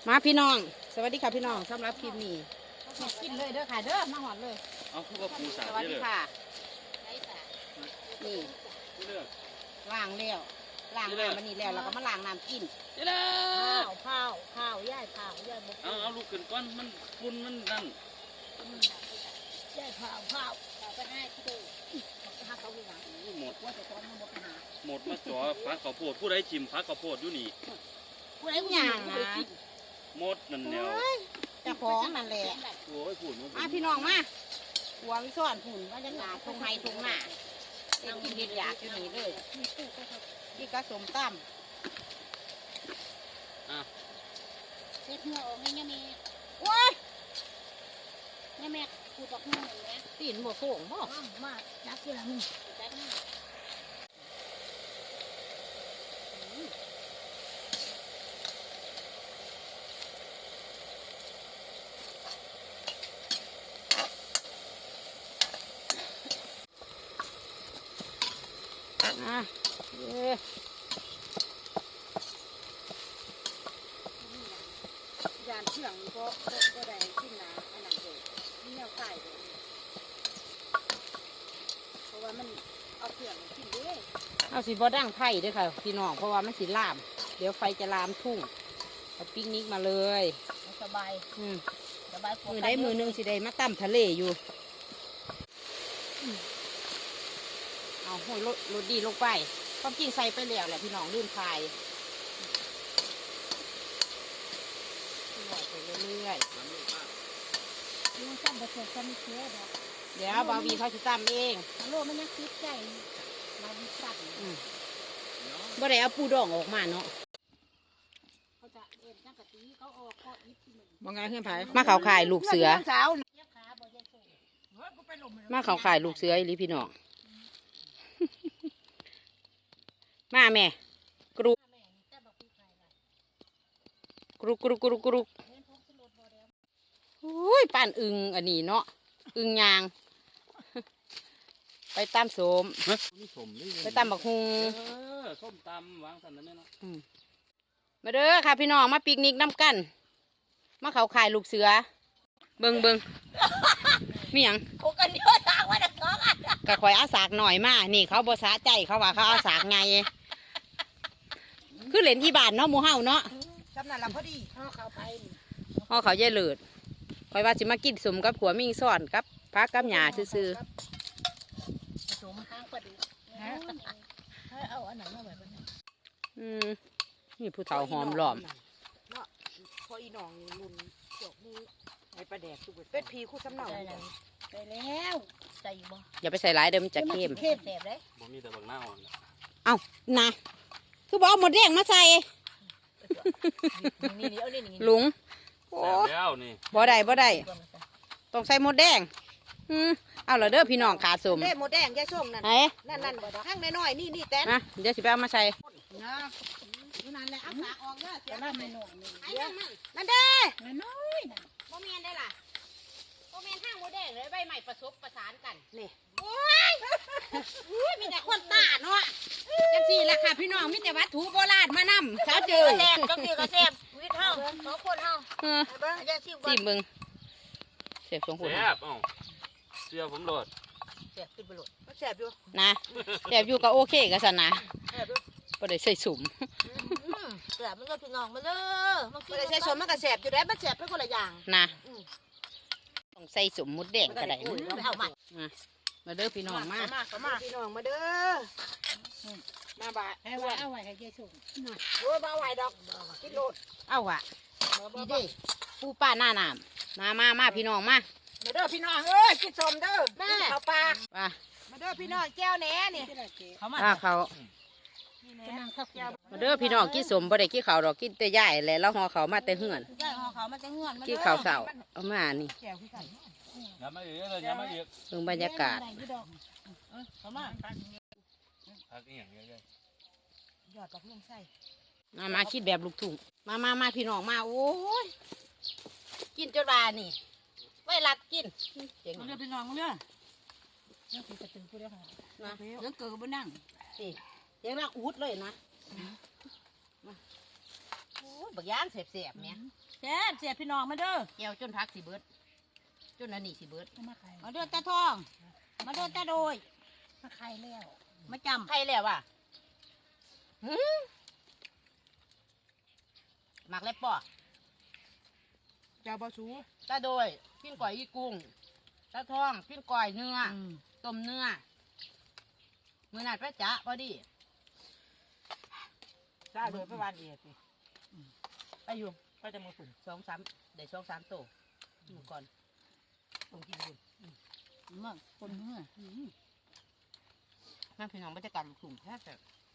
มาพี่น้องสวัสดีค่ะพี่น้องสำหรับคลิปนี้กินเลยเด้อค่ะเด้อมาหอดเลยเอาคือว่าปูสาสวัสดีค่ะนี่เลือกล้างแล้วล้างน้ำมันนี่แล้วเราก็มาล้างน้ำกินเลือกข้าวย่ายบกเอาลูกขึ้นก้อนมันฝุ่นมันนั่นย่ายข้าวไปให้ที่ดูหาเขาอยู่หลังหมดว่าจะตอนมันหมดหาหมดมาจ่อพักข้าวโพดผู้ใดชิมพักข้าวโพดอยู่นี่ผู้ใดอย่างนะหมดนั่นแนวเจ้าของนั่นแหละโอ้ยฝุ่นมาพี่น้องมาหัววิซ่อนฝุ่นว่าจะหนาทงไฮทงหน้าเอ็นกินเห็ดอยากอยู่นี่เลยนี่ก็สมตั้มเล็ดหัวออกให้ยาเมฆว้ายยาเมฆกูบอกหัวหนึ่งนะตีนหมดโส่งบ่มาจับที่หลังจับนี่อ่ะยานเชื่องก็ได้ขึ้นนะอันนั้นเลยนี่แนวไก่เลยเพราะว่ามันเอาเชื่องขึ้นด้วยเอาสิบ่ดั้งไผ่ด้วยค่ะพี่น้องเพราะว่ามันสิลามเดี๋ยวไฟจะลามทุ่งเอาปิกนิกมาเลยสบายสบายมือได้มือหนึงสิได้มาตั้มทะเลอยู่เอาห้อยรถดีลงไปความจริงใส่ไปแล้วแหละพี่น้องลื่นคายไปเรื่อยๆยังจับประเสริฐกันเชื่อดอกเดี๋ยวบาวีเขาจะตั้มเองโลมันยังคิดใจมาวิสัตว์บ่ได้เอาปูดองออกมาเนาะเขาจะเอ็นจังกะตีเขาออกเขาอิบที่มันบ่ไงขึ้นไผมาเขาขายลูกเสือเย็บขาบ่ยัยส่งมาเขาขายลูกเสืออีหลีพี่น้อง มาแม่กรุกแม่จับบอกพี่ใครล่ะกรุกเล่นพกสลดบ่เดียวอุ้ยป้านอึงอันนี้เนาะอึงยาง ไปตามโสมนี่สมนี่ไปตามบักฮุงส้มตำวางสันนั่นเนาะมาเด้อค่ะพี่น้องมาปิกนิกน้ำกัน มาเขาขายลูกเสือ เบิงมีหยังโคกันเยอะต่างว่าจะก้องอ่ะกะข่อยอาสากหน่อยมานี่เขาบ่สะใจเขาว่าเขาอาสากไงคือเหรียญอีบาทเนาะหมูเฮาเนาะจำนั่นละพอดีเขาไปพ่อเขาเย่เลิศข่อยว่าสิมากินสมกับผัวมิงซ่อนกับพักกับหญ้าซื่อสมห้างประดิษฐ์ถ้าเอาอันนั้นมาแบบนี้ๆนี่ผู้เฒ่าหอมหล้อมพออีหนองลุนจบมือไอ้ปลาแดกทุกเป็ดพีคู่สำเนาไปแล้วใจบ่อย่าไปใส่หลายเดิมนจะเข้มเข้มแสบเลยผมมีแต่บางหน้าอ่อนเอ้านะคือบอกเอาหมดแดงมาใส่นี่เอานี่นี่หลุงโอ้แซ่บแล้วนี่บ่ได้ต้องใส่หมดแดงเอาละเด้อพี่น้องขาสมเด้หมดแดงยายส้มนั่นไหนนั่นข้างน้อยๆนี่แต่นะเดี๋ยวสิไปเอามาใส่นะนั่นแหละเอาฝาออกเด้อเสียไม่หน่อยไอ้นั่นมันนั่นเด้อน้อยน่ะบ่แม่นได้ล่ะบ่แม่นห้างบ่แดงเลยใบใหม่ประสานกันนี่โอ้ยมีแต่คนตาเนาะจังซี่ล่ะค่ะพี่น้องมีแต่วัตถุโบราณมานำเช้าเจอแซ่บก็คือกระแซ่บวิทย์เฮาสองคนเฮาเบิ่งอย่าซิ่วก่อจิ้นมเบิ่งเสียบสองคนแซ่บเอ้าเสื้อผมโหลดแซ่บขึ้นไปโลดมันแซ่บอยู่นะแซ่บอยู่ก็โอเคก็ซั่นนะแซ่บอยู่บ่ได้ใส่สุ่มแซ่บมันก็พี่น้องมาเด้อมันคือได้ใช้สมมันก็แซ่บอยู่ได้มันแซ่บเป็นคนละอย่างนะต้องใส่สุ่มมดแดงก็ได้เอามามาเด้อพี่น้องมาพี่น้องมาเด้อมาบ่ายเอาไว้ให้ยายส่งโอ้บ่ไหวดอกกินโลดเอาอ่ะดีเด้ปูป้าหน้าน้ำมาพี่น้องมามาเด้อพี่น้องเอ้ยกินสมเด้อแม่ข้าวปลาว่ามาเด้อพี่น้องแก้วแหน่นี่เขามาเขานั่งข้าวแก้วมาเด้อพี่น้องกินสมบ่ได้กินข้าวดอกกินแต่ย่ายแหละแล้วห่อเขาวมาแต่เหือนย่ายห่อเขามาแต่เงื่อนกินข้าวเสาเอามานี่แก้วพี่ไก่ย้ำมาอีกเลยย้ำมาอีกเบิ่งบรรยากาศเขามาพักอีกอย่างเยอะหยอดดอกลงใส่มาคิดแบบลูกทุ่งมาพี่น้องมาโอ้ยกินจนว่านี่ไว้รัดกินเจ๋งมาเด้อพี่น้องมาเด้อยังคือกระตือผู้เดียวค่ะนะยังเกิดก็บ่นั่งสิเจ๋งรักอูดเลยนะโอ้ยบักย่างเสียบๆเนี่ยแซ่บเสียพี่น้องมาเด้อแก้วจนพักสิเบิดจนอันนี้สิเบิดมาเด้อตาทองมาเด้อตาโดยมาใครแล้วมาจำใครแล้วว่ะหมักแล้วป่อเจ้าบ่สูตาโดยปิ้งก่อยอีกุ้งตาทองปิ้งก่อยเนื้อต้มเนื้อมือนัดพระจ๊ะพอดีได้โดยประวันเอียดสิไปอยู่ก็จะมาฝุ่น 2-3ได้2-3โตอยู่ก่อนผมกินอยู่มาคนเมื่อนั่งพี่น้องบรรยากาศกลุ่มแท้แต่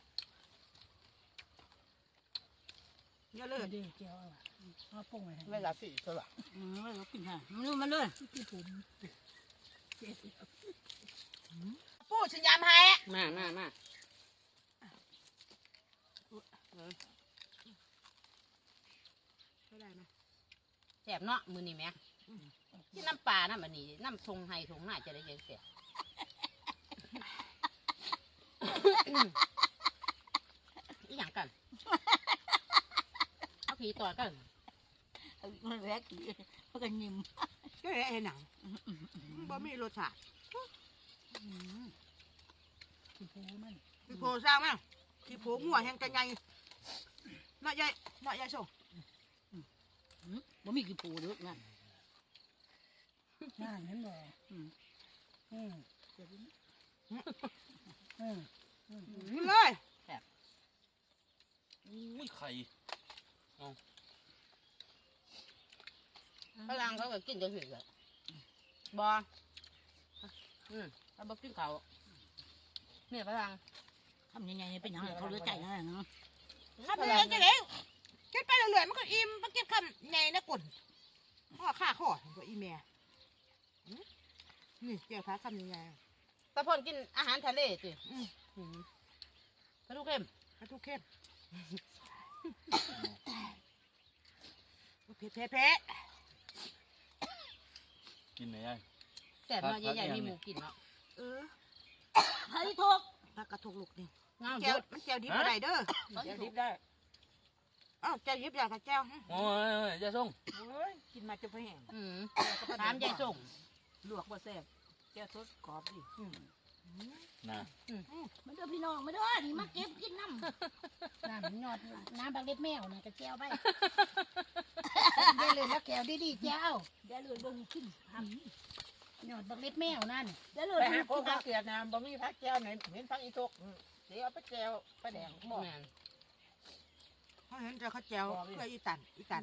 เยอะเลยดีเจียวมาปรุงไว้เวลาสี่ตัวไม่รู้กินค่ะมาเลยที่ผมปู้ฉันยำให้มาแสบเนาะมือนี่แม่ที่น้ำปลาน้ำอันนี้น้ำทงไห้ทงหน้าจะได้ยังเสียอีหยังกันเอาผีต่อกันมันแรกมันก็ยิ้มก็เลยเห็นหนังบ่มีรสชาติคือโพมันขี้โพสร้างมั้งขี้โพงัวแห้งกันใหญ่เนาะใหญ่เนาะใหญ่โซ่บ่มีคือโพเด้อนั่นนั่นเห็นบ่กินเลยอุ้ยไข่พลังเขาก็กินจะถึงเลยบอเขาบอกกินเขาเนี่ยพลังทำยังไงเป็นยังไงเขาเลือดใจนะเนาะทำยังไงกันเลยกินไปเรื่อยๆมันก็อิ่มมันกินคำใหญ่นะกุ่นข้อข้าข้อตัวอีเมียนี่เกี่ยวขาคำใหญ่ตะพนกินอาหารทะเลสิกระดูกเค็มกระทุกเข้มเผ็ดกินไหนยังแต่เนาะใหญ่ๆมีหมูกินเนาะไอ้ทกผักกระทุกลูกนี่เงาแจเยว อะมันแจวดิบอะไรเด้อเขาอยู่ดิบได้อ้าวแจวดิบอยากกับแจวโอ้ยยายส่งกินมาจะไปแห้งถามยายส่งลวกบ่แซ่บแจวสดกรอบดินะมาเด้อพี่น้องมาเด้อนี่มาเก็บกินน้ำน้ำยอดน้ำบักเล็ดแมวนะกระเจียวไปได้เลยแล้วแก้วดีๆเจ้าเดี๋ยวเลยบ่มีกินยอดบักเล็ดแมวนั่นเดี๋ยวเลไปยหาพวกผักเกียดนะบ่มีผักแจวไหนเห็นผักอีทกเดี๋ยวเอาไปแจวไปแดงบ่แม่นเขาเห็นจะเขาแจวเพื่ออีตัน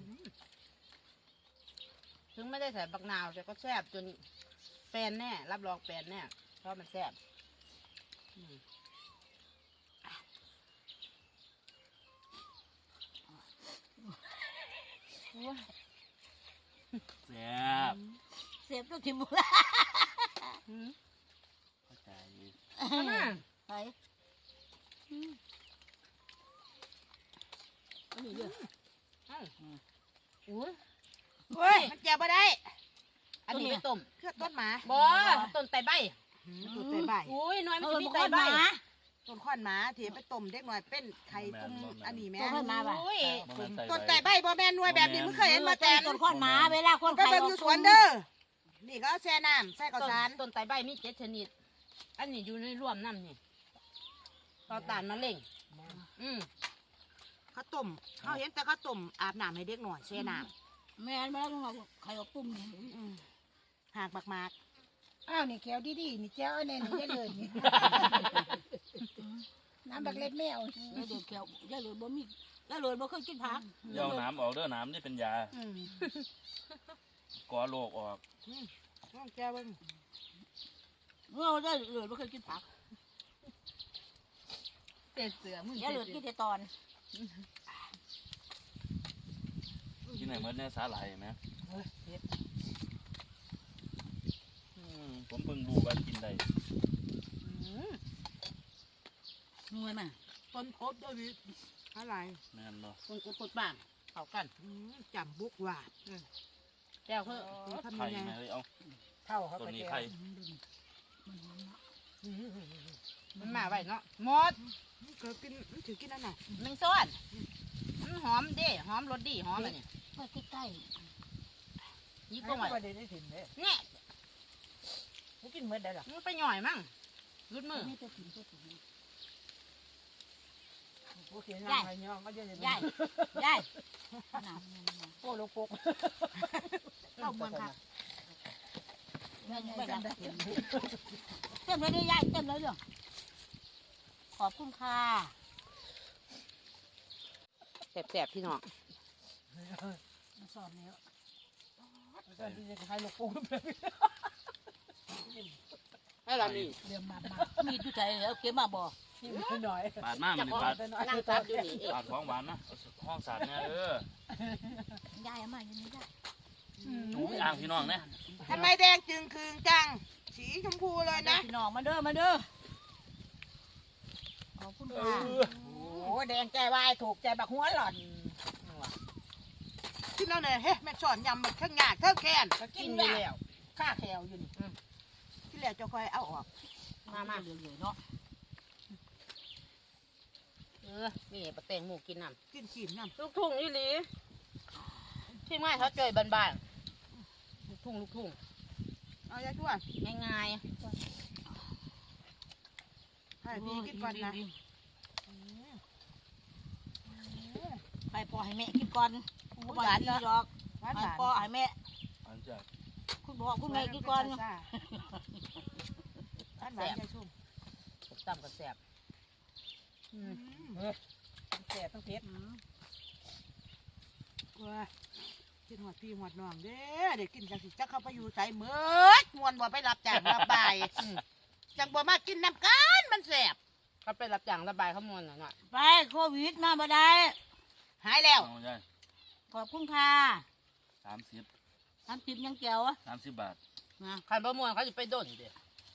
ถึงไม่ได้ใส่บักนาวแต่ก็แซ่บจนแฟนแน่รับรองแฟนแน่เพราะมันแซ่บแซ่บเสียบตัวทิมละเข้าใจไปอันนี้เยอะอุ้ยเฮ้ยมันแจวบ่ได้อันนี้ไปต้มเครือต้นหมาบ่ต้นไตใบต้นไตใบอุ้ยน้อยมันเอจะอมีมันไตค่อยใบมาต้นข้อนหมาที่ไปต้มเด็กหน่อยเป็นไข่ตุ้มอันนี้แม่ต้นมาบ่ะอุ้ยต้นไตใบบ่แม่นหน่วยแบบนี้มึงเคยเห็นมาแต่ต้นข้อนหมาเวลาคนไปเบิ่งอยู่สวนเด้อนี่ก็เอาแช่น้ำใส่ข้าวสารต้นไตใบมี7ชนิด อันนี้อยู่ในร่วมน้ำนี่ต่อต้านมะเร็งข้าวต้มเขาเห็นแต่ข้าวต้มอาบน้ำให้เด็กหน่อยแช่น้แม่มาแล้วใครเอาปุ้มนี่ำหากมากอ้าวนี่แก้วดีๆนี่เจ้าเอาแน่นี่ได้เลยนี่น้ำบักเล็ดแมวแล้วเดือดแก้วย่าเลยบ่มีย่าเลยบ่เคยกินผักเดี๋ยวน้ำออกเด้อน้ำนี่เป็นยาก่อโรคออกน้องแก้วเบิ่งเราได้เลยบ่เคยกินผักเป็นเสือมึงย่าเลยกินแต่ตอนกินไหนเมื่อเนี่ยสาหร่ายไหมผมเพิ่งรู้ว่ากินได้นัวมาต้นครบด้วยวิอะไรแม่นบ่คนกุดบ้างเข้ากันจำบุกหวาดแก้วเพื่อทำไข่ยังไงแม่เลยเอาเท่าเขาตัวไปนี้แก้วไข่มันมาไว้เนาะหมดเกิดกินถือกินอันไหนแมงซ้อนหอมเด้หอมรสดีหอมอันนี้เมื่อใกล้ยี่ก็ก็ไม่ไว้ได้ถิ่นเลยเนี่ยกูกินเมื่อได้หรอมันไปหน่อยมั่งรุดมือๆไม่จะถึงจะถึงกูเสียงอะไรเนาะก็เยอะเลยยายยายน้ำเนี่ยนะโอ้ลูกปกเข้าเมืองค่ะแม่ยังจำได้เต็มเต็มเลยดิยายเต็มเลยเด้อขอบคุณค่ะแสบๆพี่น้องมาสอบแล้วตอนที่จะให้ลูกปกให้เรานี่เรื่องมามีดูใจแล้วเก็บมาบ่กินหน่อยปาดมากมันนี่ปาดนั่งตัดอยู่นี่เองปาดของหวานนะเอาห้องสาดเนี่ยยายเอามาอย่างนี้ได้หนูอ่างพี่น้องเนี่ยทำไมแดงจึงคืนจังสีชมพูเลยนะพี่น้องมาเด้อมาเด้อขอบคุณค่ะโอ้แดงใจวายถูกใจบักหัวหล่อนกินแล้วเนี่ยเฮ้แม่สอนยำมันข้างหน้าข้างแขนกินอยู่แล้วข้าแถวอยู่นี่ที่แล้วจะคอยเอาออกมาเหลือๆเนาะนี่ปลาแตงหมูกินน้ำกินขีมน้ำลูกทุ่งอีหลีที่ง่ายเขาเจยบ้านๆลูกทุ่งเอาอย่าช่วยง่ายให้พี่กินก่อนนะไปปอให้แม่กินก่อนหวานดีดอกหวานไปหวานปอให้แม่อันจากคุณพ่อคุณแม่กินก่อนหวานหวานใจชุ่มๆต่ำกับแสบแสบต้องเผ็ดว้ากินหัวพี่หัวน้องเด้อเด็กกินจังสิจักเข้าไปอยู่ใส่เมื่อมวนบ่ไปรับจ้างรับบ่ายจังบ่มากินน้ำกันมันแสบเขาไปรับจ้างระบายข้าวมันหน่อยไปโควิดมาบ่ได้หายแล้วเอาได้ขอบคุณค่ะ 30 30ยังแก้วอะ 30 บาทนะๆขันประมวลเขาจะไปด้นเด้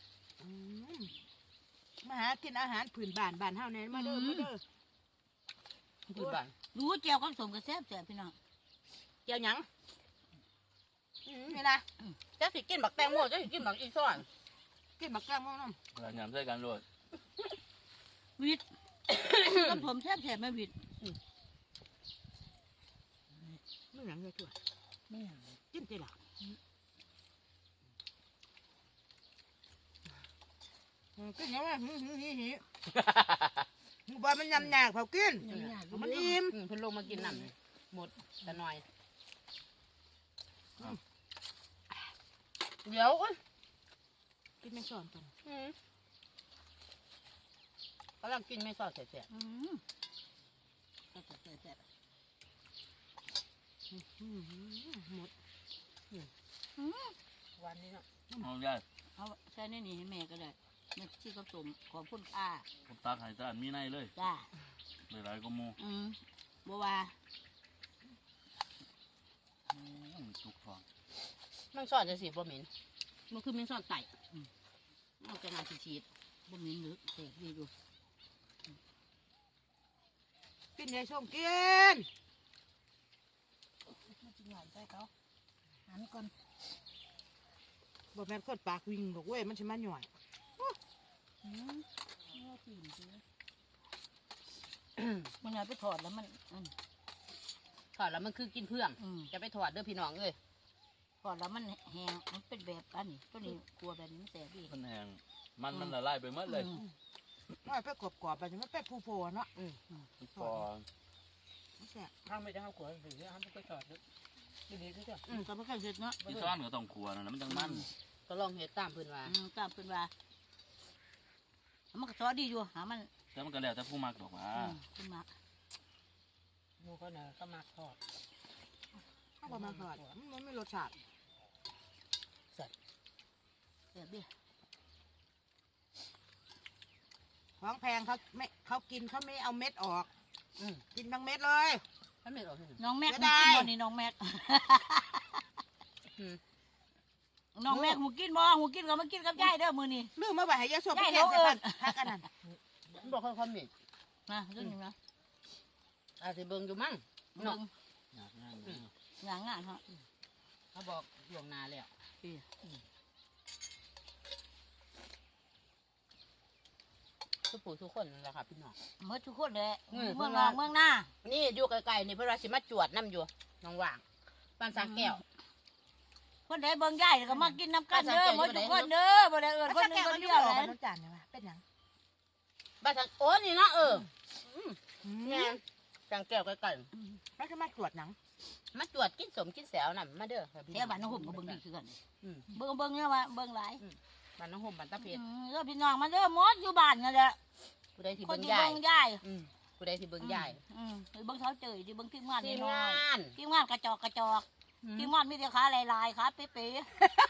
มาหากินอาหารผืนบ้านบ้านเฮาแน่มาเด้อมาเด้อคือบ้านรู้แก้วกับสมกับแซ่บแซ่บพี่น้องเกี่ยวหยังนี่นะจะสิกินบักแตงโมจะสิกินบักอีซ้อนกินบักแก้วม่วงน้เวลาหยำใส่กันโลดวิทย์กับผมแซ่บแซ่บแม่วิทย์ำไม่หยังเลยตัวกินติล่ะกินยังไงหิบ่มันยำหนักเผากินยังยากอยู่มันเด้ออิ่มเพิ่นลงมากินน้ำหมดแต่น้อยเดี๋ยวอุ้ยกินไม่สอนกันกำลังกินไม่ซอสเสียอืมแซ่บแซ่บแซ่บหมดวันนี้เนาะเอาได้เอาใส่ในนี่ให้แม่ก็ได้แม่ที่กับสมขอบคุณค่ะผมตักให้ตาอันมีในเลยจ้าหลายๆก็หมูบัวว่าทุกฟองมันซอสจะสิบ่เหม็นมันคือมันซอสไก่เอาจะงานชีดบ่มีนึกแซ่บดีอยู่กินยายส้มกินมาจิหน่อยใส่เขาหันก่อนบอกแม่นคนปากวิ่งบอกเว้ยมันจะมาหน่อยเอาตีนสิมันเอาไปถอดแล้วมันถอดแล้วมันคือกินเพื่องอืมจะไปถอดเด้อพี่น้องเอ้ยถอดแล้วมันแห้งมันเป็นแบบอันนี้ตัวนี้กลัวแบบนี้มันแสบดีมันแห้งมันละลายไปหมดเลยน้อยไปกรอบๆไปมันเป็นผู้ๆเนาะฟองแซ่บข้าวไม่ได้ข้าวกล้วยหรือข้าวไม่ได้ถอดดีๆก็จะก็ไม่ค่อยเสร็จเนาะที่ซ้อนก็ต้องขัวนะมันจังมันก็ลองเห็ดตามเพิ่นว่าตามเป็นว่ามันก็ซอดีอยู่หามันแต่มันก็แล้วแต่ผู้มักดอกว่าขึ้นมาหมูก็เนี่ยก็มาทอดข้าวประมาณทอดมันไม่รสชาติแสบดีของแพงเขากินเขาไม่เอาเม็ดออกอืมกินทั้งเม็ดเลยถ้าไม่ออกน้องแม็กเสีมึยงดายกินบ่นี่น้องแม็กน้องแม็กหูกินบ่หูกินก็มากินกับยายเด้อมื้อนี้ลืมมาไว้ให้ยายส้มไปยายแกงเราเอิ้ใส่นผักอันนั้นมันบอกเขาคอมเมนต์นะเรื่องนี้นะอาจจะเบิ่งอยู่มั้งมึงเนาะงานงานฮะเขาบอกล่วงหน้าแล้วมทุกผู้ทุกคนนั่นแหละค่ะพี่น้องเมื่อทุกคนเลยอืมเมืองนอกเมืองหน้านี่อยู่ไกลๆนี่เพิ่นว่าสิมาจวดน้ำอยู่น้องว่างบ้านสางแก้วคนใดเบิ่งใหญ่ก็มากินน้ำกันเด้อหมดทุกคนเด้อบ่ได้เอิ้นแล้วคนถ้าหนึแกงเอาคนอยู่เดียวบ่เลกับยน้ำจานเนี่ยว่าเป็นหยังบ้านสางโอ้นี่เนาะแม่เนี่ยสางแก้วใกล้แล้วจะมาตรวจหนังๆมาจวดกินสมกินแสวน่ะมาเด้อค่ะพี่แถวบ้านน้องห่มก็เบิ่งดีคือกันอืมเบิ่งเนี่ยว่าเบิ่งหลายบ้านน้องห่มบ้านตะเพชรเด้อพี่น้องมาเด้อหมดอยู่บ้านนั่นแหละผู้ใดที่คนเบิ่งที่ยายเบิ่งยายผู้ใดที่เบิ่งยายหรือเบิ่งเท้าเจยที่เบิ่งทีมงานทีมน้อยงานๆทีมงานกระจอกทีมงานมีแต่ขาลายๆขาเป๊ะ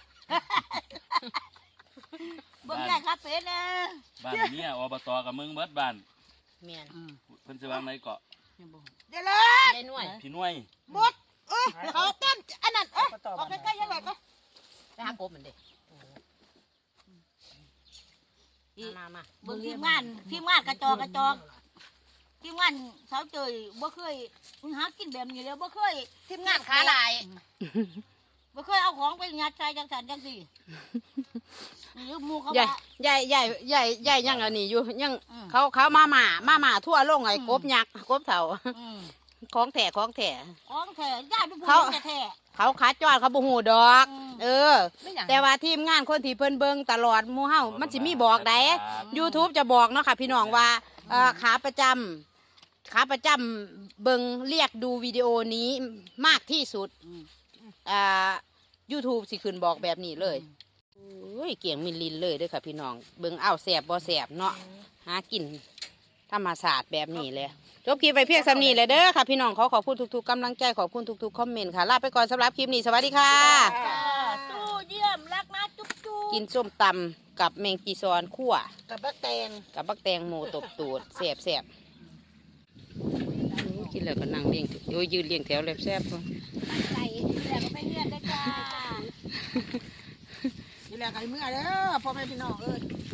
ๆเบิ่งยายขาเป๊ะนะบ้านเมียอบตกับมึงเบิดบ้านแม่นเพิ่นสิวางในเกาะเดี๋ยวเลยยายหน่วยพี่น้วยหมดเขาเต้นอันนั้นออกใกล้ๆยังไงก็ไปหากบมันเด้มาเบิ่งทีมงานกระจอกทีมงานเท้าเจยบ่เคยหากินแบบนี้แล้วบ่เคยทีมงานขาลายบ่เคยเอาของไปยัดใส่จังสันจังสี่หรือหมูเขาใหญ่ว่าใหญ่ใหญ่ใหญ่ใหญ่ยังอันนี้อยู่ยังอืมเขามาหมาทั่วลงไอ้กบยักษ์กบเถาอืมของแถของแท้ญาติผู้เขาหญิงแท้เขาขาจอดเขาบ่ฮู้ดอกอืมเออไม่อย่างแต่ว่าทีมงานคนที่เพิ่นเบิ่งตลอดหมู่เฮามันสิมีบอกได้ YouTube จะบอกเนาะค่ะพี่น้องว่าขาประจำเบิ่งเรียกดูวิดีโอนี้มากที่สุดYouTube สิขึ้นบอกแบบนี้เลยโอ้ยเกี่ยงมิลลินเลยเด้อค่ะพี่น้องเบิ่งอ้าวแสบบ่แสบเนาะหากินธรรมศาสตร์แบบนี้เลยจบคลิปไปเพียงสำนี้เลยเด้อค่ะพี่น้องขอบคุณทุกๆกำลังใจขอบคุณทุกๆคอมเมนต์ค่ะลาไปก่อนสำหรับคลิปนี้สวัสดีค่ะสู้เยี่ยมรักนะจุ๊บจุ๊บกินส้มตำกับแมงจีซอนคั่วกับบักแตงกับบักแตงโมตบตูดแสบกินแล้วก็นั่งเลี้ยงโอ้ยยืนเลี้ยงแถวแลบแซ่บใส่แล้วก็ไปเรียนได้จ้านี่แหละไก่เมื่อเด้อพ่อแม่พี่น้องเอ้ย